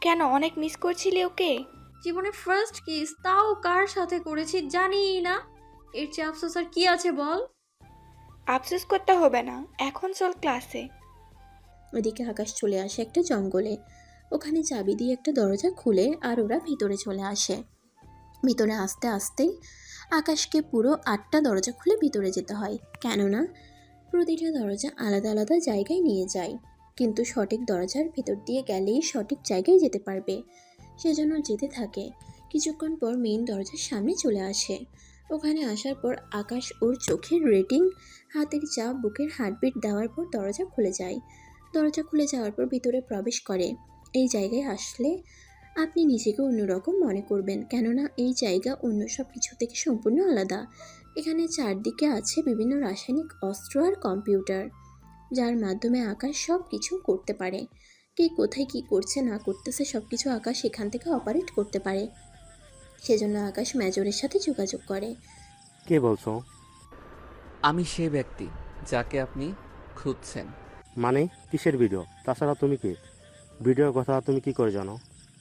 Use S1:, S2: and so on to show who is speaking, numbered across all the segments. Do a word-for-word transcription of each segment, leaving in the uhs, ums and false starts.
S1: কেন, অনেক মিস করছিলি ওকে?
S2: জীবনে ফার্স্ট কিস, তাও কার সাথে করেছি জানি না। এর চেয়ে আফসোস আর কি আছে বল।
S1: আফসোস করতে হবে না, এখন চল ক্লাসে।
S3: ওদিকে আকাশ চলে আসে একটা জঙ্গলে। ওখানে চাবি দিয়ে একটা দরজা খুলে আর ওরা ভিতরে চলে আসে। ভিতরে আসতে আসতেই আকাশকে পুরো আটটা দরজা খুলে ভিতরে যেতে হয়, কেননা প্রতিটা দরজা আলাদা আলাদা জায়গায় নিয়ে যায়। কিন্তু সঠিক দরজার ভিতর দিয়ে গেলেই সঠিক জায়গায় যেতে পারবে, সেজন্য যেতে থাকে। কিছুক্ষণ পর মেইন দরজার সামনে চলে আসে। ওখানে আসার পর আকাশ ওর চোখের রেটিং, হাতের চাপ, বুকের হার্টবিট দেওয়ার পর দরজা খুলে যায়। দরজা খুলে যাওয়ার পর ভিতরে প্রবেশ করে। এই জায়গায় আসলে আপনি নিজেকে অন্যরকম মনে করবেন, কেননা এই জায়গা অন্য সব কিছু থেকে সম্পূর্ণ আলাদা। এখানে চারদিকে আছে বিভিন্ন রাসায়নিক অস্ত্র আর কম্পিউটার, যার মাধ্যমে আকাশ সব কিছু করতে পারে। কে কোথায় কি করছে না করতেছে সব কিছু আকাশ এখান থেকে অপারেট করতে পারে। সেজন্য আকাশ মেজরের সাথে যোগাযোগ করে।
S4: কে বলছো?
S5: আমি সেই ব্যক্তি যাকে আপনি খুঁজছেন।
S4: মানে কিসের ভিডিও? তাছাড়া তুমি কি ভিডিওর কথা তুমি কি করে জানো?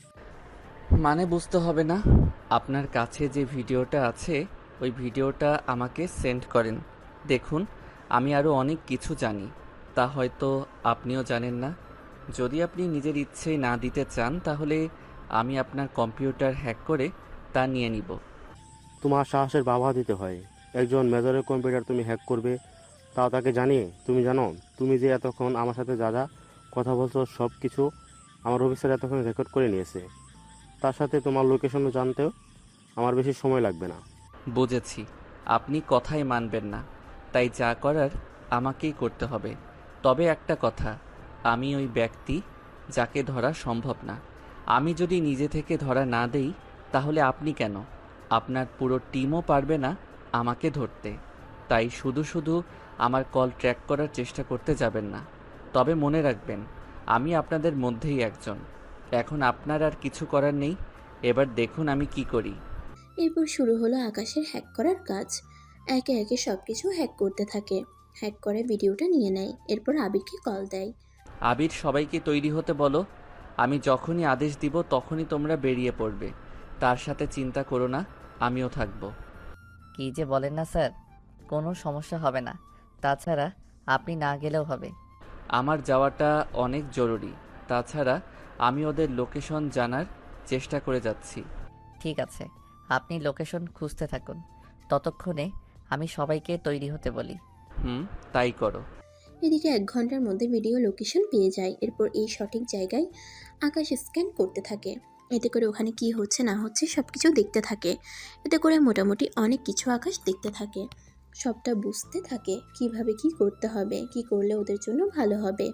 S5: মানে বুঝতে হবে না, আপনার কাছে যে ভিডিওটা আছে ওই ভিডিওটা আমাকে সেন্ড করেন। দেখুন, আমি আরও অনেক কিছু জানি, তা হয়তো আপনিও জানেন না। যদি আপনি নিজের ইচ্ছেই না দিতে চান তাহলে আমি আপনার কম্পিউটার হ্যাক করে তা নিয়ে নিব।
S4: তোমার সাহসের বাবা দিতে হয়। একজন মেজরের কম্পিউটার তুমি হ্যাক করবে, তাও তাকে জানিয়ে। তুমি জানো তুমি যে এতক্ষণ আমার সাথে যা যা কথা বলছো সব কিছু আমার অফিসার এতক্ষণ রেকর্ড করে নিয়েছে। তার সাথে তোমার লোকেশনও জানতেও আমার বেশি সময় লাগবে না।
S5: বুঝেছি, আপনি কথাই মানবেন না, তাই যা করার আমাকেই করতে হবে। তবে একটা কথা, আমি ওই ব্যক্তি যাকে ধরা সম্ভব না। আমি যদি নিজে থেকে ধরা না দেই তাহলে আপনি কেন, আপনার পুরো টিমও পারবে না আমাকে ধরতে। তাই শুধু শুধু আমার কল ট্র্যাক করার চেষ্টা করতে যাবেন না। তবে মনে রাখবেন, আমি আপনাদের মধ্যেই একজন। এখন আপনার আর কিছু করার নেই, এবার দেখুন আমি কি করি।
S3: এরপর শুরু হলো আকাশের হ্যাক করার কাজ। একে একে সব কিছু হ্যাক করতে থাকে। হ্যাক করে ভিডিওটা নিয়ে নেয়, এরপর আবিরকে কল দেয়।
S5: আবির, সবাইকে তৈরি হতে বলো। আমি যখনই আদেশ দিব তখনই তোমরা বেরিয়ে পড়বে। তার সাথে চিন্তা করো না, আমিও থাকবো।
S6: কী যে বলেন না স্যার, কোনো সমস্যা হবে না। তাছাড়া আপনি না গেলেও হবে।
S5: আমার যাওয়াটা অনেক জরুরি। তাছাড়া আমি ওদের লোকেশন জানার চেষ্টা করে যাচ্ছি।
S6: ঠিক আছে, আপনি লোকেশন খুঁজতে থাকুন, ততক্ষণে আমি সবাইকে তৈরি হতে বলি।
S5: হুম, তাই করো।
S3: এদিকে এক ঘন্টার মধ্যে ভিডিও লোকেশন পেয়ে যায়। এরপর এই সঠিক জায়গায় আকাশ স্ক্যান করতে থাকে। এতে করে ওখানে কি হচ্ছে না হচ্ছে সব কিছু দেখতে থাকে। এতে করে মোটামুটি অনেক কিছু আকাশ দেখতে থাকে, সবটা বুঝতে থাকে কিভাবে কি করতে হবে, কি করলে ওদের জন্য ভালো হবে।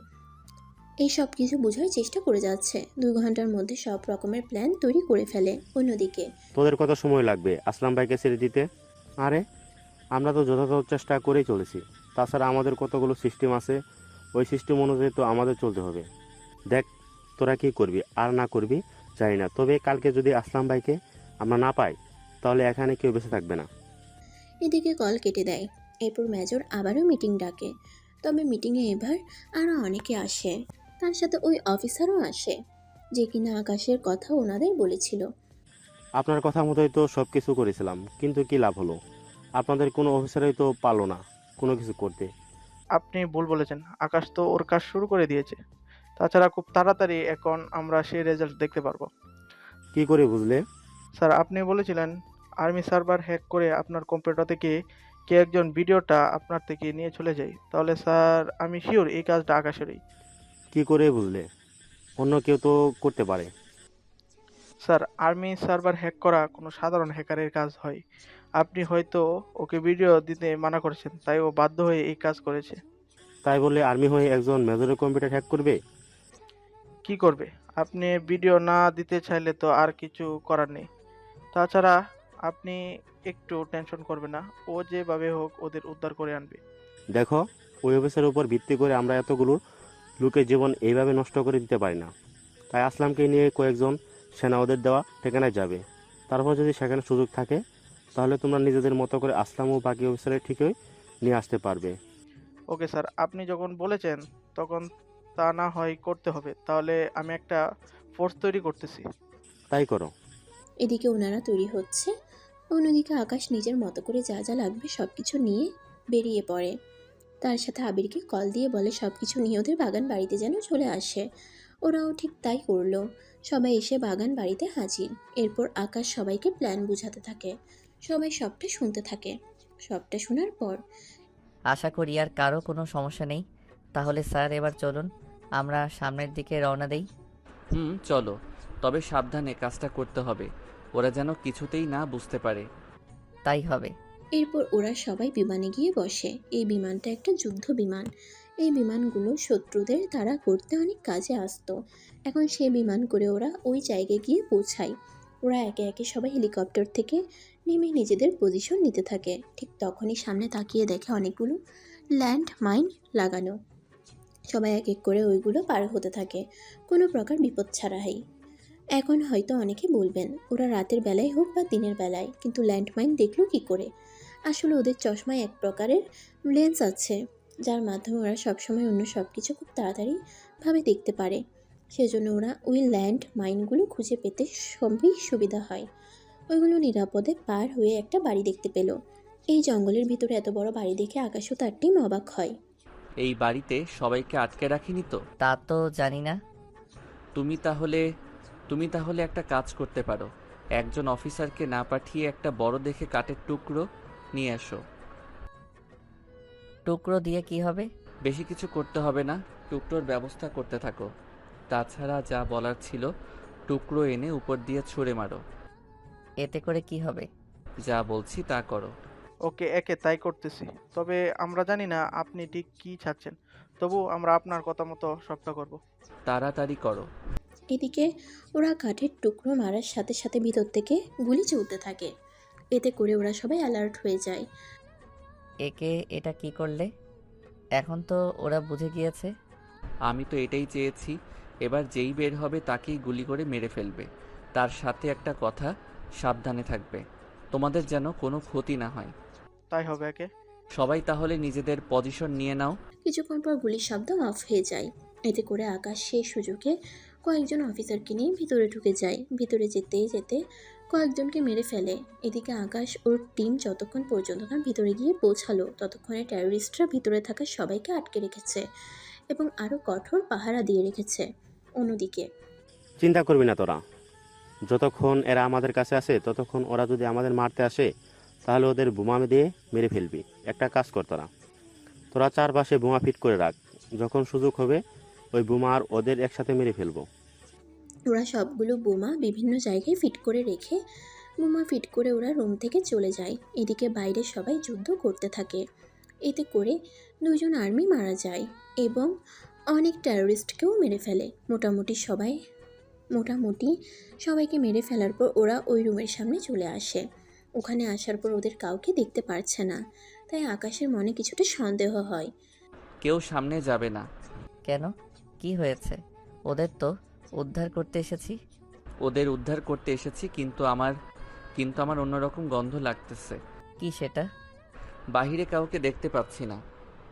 S3: এই সব কিছু বোঝার চেষ্টা করে যাচ্ছে। দুই ঘন্টার মধ্যে সব রকমের প্ল্যান তৈরি করে ফেলে। অন্যদিকে
S4: তোদের কত সময় লাগবে আসলাম ভাইকে ছেড়ে দিতে? আরে আমরা তো যথাযথ চেষ্টা করেই চলেছি। তাছাড়া আমাদের কতগুলো সিস্টেম আছে, ওই সিস্টেম অনুযায়ী তো আমাদের চলতে হবে। দেখ তোরা কি করবি আর না করবি জানি না, তবে কালকে যদি আসলাম ভাইকে আমরা না পাই তাহলে এখানে কেউ বেঁচে থাকবে না।
S3: এদিকে কল কেটে দেয়। এরপর মেজর আবারও মিটিং ডাকে। তবে মিটিংয়ে এবার আরও অনেকে আসে। তার সাথে ওই অফিসারও আসে, যে কিনা আকাশের কথা ওনাদের বলেছিল।
S4: আপনার কথা মতোই তো সব কিছু করেছিলাম, কিন্তু কি লাভ হলো? আপনাদের কোনো অফিসারই তো পারলো না কোনো কিছু করতে।
S7: আপনি ভুল বলেছেন, আকাশ তো ওর কাজ শুরু করে দিয়েছে। তাছাড়া খুব তাড়াতাড়ি এখন আমরা সেই রেজাল্ট দেখতে পারবো।
S4: কি করে বুঝলে?
S7: স্যার, আপনি বলেছিলেন আর্মি সার্ভার হ্যাক করে আপনার কম্পিউটার থেকে কে একজন ভিডিওটা আপনার থেকে নিয়ে চলে যায়। তাহলে স্যার আমি শিওর এই কাজটা আকাশেরই।
S4: কি করে বুঝলে? অন্য কেউ তো করতে পারে।
S7: স্যার, আর্মি সার্ভার হ্যাক করা কোনো সাধারণ হ্যাকারের কাজ হয়। আপনি হয়তো ওকে ভিডিও দিতে মানা করেছেন, তাই ও বাধ্য হয়ে এই কাজ করেছে।
S4: তাই বলে আর্মি হয়ে একজন মেজরের কম্পিউটার হ্যাক করবে?
S7: কি করবে? আপনি ভিডিও না দিতে চাইলে তো আর কিছু করার নেই। তাছাড়া আপনি একটু টেনশন করবেন না, ও যেভাবে হোক ওদের উদ্ধার করে আনবে।
S4: দেখো, ওই অফিসের উপর ভিত্তি করে আমরা এতগুলো লোকের জীবন এইভাবে নষ্ট করে দিতে পারি না। তাই আসলামকে নিয়ে কয়েকজন সেনা ওদের দেওয়া ঠিকানায় যাবে। তারপর যদি সেখানে সুযোগ থাকে তাহলে তোমরা নিজেদের মতো করে আসলাম ও বাকি অফিসারের ঠিকই নিয়ে আসতে পারবে।
S7: ওকে স্যার, আপনি যখন বলেছেন তখন তা না হয় করতে হবে। তাহলে আমি একটা ফোর্স তৈরি করতেছি।
S4: তাই করো।
S3: এদিকে ওনারা তৈরি হচ্ছে, অন্যদিকে আকাশ নিজের মতো করে যা যা লাগবে সব কিছু নিয়ে বেরিয়ে পড়ে। তার সাথে আবিরকে কল দিয়ে বলে সব কিছু নিয়ে ওদের বাগান বাড়িতে যেন চলে আসে। ওরাও ঠিক তাই করলো। সবাই এসে বাগান বাড়িতে হাজির। এরপর আকাশ সবাইকে প্ল্যান বোঝাতে থাকে। সবাই সবটা শুনতে থাকে। সবটা শোনার পর
S6: আশা করি আর কারো কোনো সমস্যা নেই। তাহলে স্যার এবার চলুন আমরা সামনের দিকে রওনা দেই।
S5: হুম চলো, তবে সাবধানে কাজটা করতে হবে, ওরা যেন কিছুতেই না বুঝতে পারে।
S6: তাই হবে।
S3: এরপর ওরা সবাই বিমানে গিয়ে বসে। এই বিমানটা একটা যুদ্ধ বিমান। এই বিমানগুলো শত্রুদের তাড়া করতে অনেক কাজে আসতো। এখন সেই বিমান করে ওরা ওই জায়গায় গিয়ে পৌঁছায়। ওরা একে একে সবাই হেলিকপ্টার থেকে নেমে নিজেদের পজিশন নিতে থাকে। ঠিক তখনই সামনে তাকিয়ে দেখে অনেকগুলো ল্যান্ড মাইন লাগানো। সবাই এক এক করে ওইগুলো পার হতে থাকে, কোনো প্রকার বিপদ ছাড়াই। এখন হয়তো অনেকে বলবেন ওরা রাতের বেলায় হোক বা দিনের বেলায় কিন্তু ল্যান্ডমাইন দেখলো কী করে। আসলে ওদের চশমায় এক প্রকারের লেন্স আছে, যার মাধ্যমে ওরা সবসময় অন্য সব কিছু খুব তাড়াতাড়িভাবে দেখতে পারে। সেজন্য ওরা ওই ল্যান্ড মাইনগুলো খুঁজে পেতে সবই সুবিধা হয়। ওইগুলো নিরাপদে পার হয়ে একটা বাড়ি দেখতে পেল। এই জঙ্গলের ভিতরে এত বড় বাড়ি দেখে আকাশও তার টিম অবাক হয়।
S5: এই বাড়িতে সবাইকে আটকে রাখিনি তো?
S6: তা তো জানি না।
S5: তুমি তাহলে তুমি তাহলে একটা কাজ করতে পারো, একজন অফিসারকে না পাঠিয়ে একটা বড় দেখে কাঠের টুকরো নিয়ে এসো।
S6: টুকরো দিয়ে কি হবে?
S5: বেশি কিছু করতে হবে না, টুকরোর ব্যবস্থা করতে থাকো। তাছাড়া যা বলার ছিল, টুকরো এনে উপর দিয়ে ছুঁড়ে মারো।
S6: এতে করে কি হবে?
S5: যা বলছি তা করো।
S7: ওকে, একে তাই করতেছি। তবে আমরা জানি না আপনি ঠিক কী চাচ্ছেন, তবু আমরা আপনার কথা মতো সবটা করব।
S5: তাড়াতাড়ি করো।
S3: এদিকে ওরা কাঠের টুকরো মারার সাথে সাথে ভিতর থেকে গুলি চলতে থাকে। এতে করে ওরা সবাই অ্যালার্ট হয়ে যায়।
S6: একে এটা কি করলে? এখন তো ওরা বুঝে গিয়েছে।
S5: আমি তো এটাই চেয়েছি, এবার যেই বের হবে তাকেই গুলি করে মেরে ফেলবে। তার সাথে একটা কথা, সাবধানে থাকবে, তোমাদের যেন কোনো ক্ষতি না হয়।
S7: তাই হবে একে।
S5: সবাই তাহলে নিজেদের পজিশন নিয়ে নাও।
S3: কিছুক্ষণ পর গুলির শব্দ অফ হয়ে যায়। এতে করে আকাশ সেই সুযোগে কয়েকজন অফিসারকে নিয়ে ভিতরে ঢুকে যায়। ভিতরে যেতে যেতে কয়েকজনকে মেরে ফেলে। এদিকে আকাশ ওর টিম যতক্ষণ পর্যন্ত না ভিতরে গিয়ে পৌঁছালো ততক্ষণে টেররিস্টরা ভিতরে থাকা সবাইকে আটকে রেখেছে এবং আরও কঠোর পাহারা দিয়ে রেখেছে। অন্যদিকে
S4: চিন্তা করবি না তোরা, যতক্ষণ এরা আমাদের কাছে আসে ততক্ষণ ওরা যদি আমাদের মারতে আসে তাহলে ওদের বোমা দিয়ে মেরে ফেলবি। একটা কাজ কর তোরা তোরা চারপাশে বোমা ফিট করে রাখ, যখন সুযোগ হবে ওই বোমা আর ওদের একসাথে মেরে ফেলবো।
S3: ওরা সবগুলো বোমা বিভিন্ন জায়গায় ফিট করে রেখে বোমা ফিট করে ওরা রুম থেকে চলে যায়। এদিকে বাইরে সবাই যুদ্ধ করতে থাকে। এতে করে দুজন আর্মি মারা যায় এবং অনেক টেররিস্টকেও মেরে ফেলে। মোটামুটি সবাই মোটামুটি সবাইকে মেরে ফেলার পর ওরা ওই রুমের সামনে চলে আসে। ওখানে আসার পর ওদের কাউকে দেখতে পারছে না, তাই আকাশের মনে কিছুটা সন্দেহ হয়।
S5: কেউ সামনে যাবে না।
S6: কেন? কি হয়েছে? ওদের তো উদ্ধার করতে এসেছি।
S5: ওদের উদ্ধার করতে এসেছি, কিন্তু আমার কিন্তু আমার অন্যরকম গন্ধ লাগতেছে।
S6: কি সেটা?
S5: বাহিরে কাউকে দেখতে পাচ্ছি না,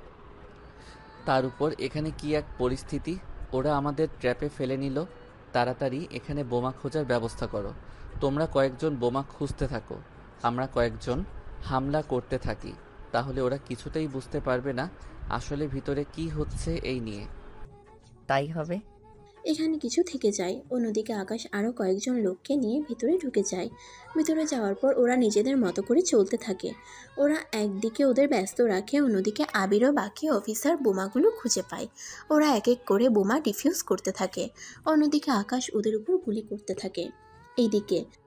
S5: তার উপর এখানে কি এক পরিস্থিতি, ওরা আমাদের ট্র্যাপে ফেলে নিল। তাড়াতাড়ি এখানে বোমা খোঁজার ব্যবস্থা করো। তোমরা কয়েকজন বোমা খুঁজতে থাকো, আমরা কয়েকজন হামলা করতে থাকি, তাহলে ওরা কিছুতেই বুঝতে পারবে না আসলে ভিতরে কি হচ্ছে এই নিয়ে।
S6: তাই হবে।
S3: এখানে কিছু থেকে যায়। অন্যদিকে আকাশ আরও কয়েকজন লোককে নিয়ে ভিতরে ঢুকে যায়। ভিতরে যাওয়ার পর ওরা নিজেদের মতো করে চলতে থাকে। ওরা একদিকে ওদের ব্যস্ত রাখে, অন্যদিকে আবিরও বাকি অফিসার বোমাগুলো খুঁজে পায়। ওরা এক এক করে বোমা ডিফিউজ করতে থাকে। অন্যদিকে আকাশ ওদের উপর গুলি করতে থাকে। এইদিকে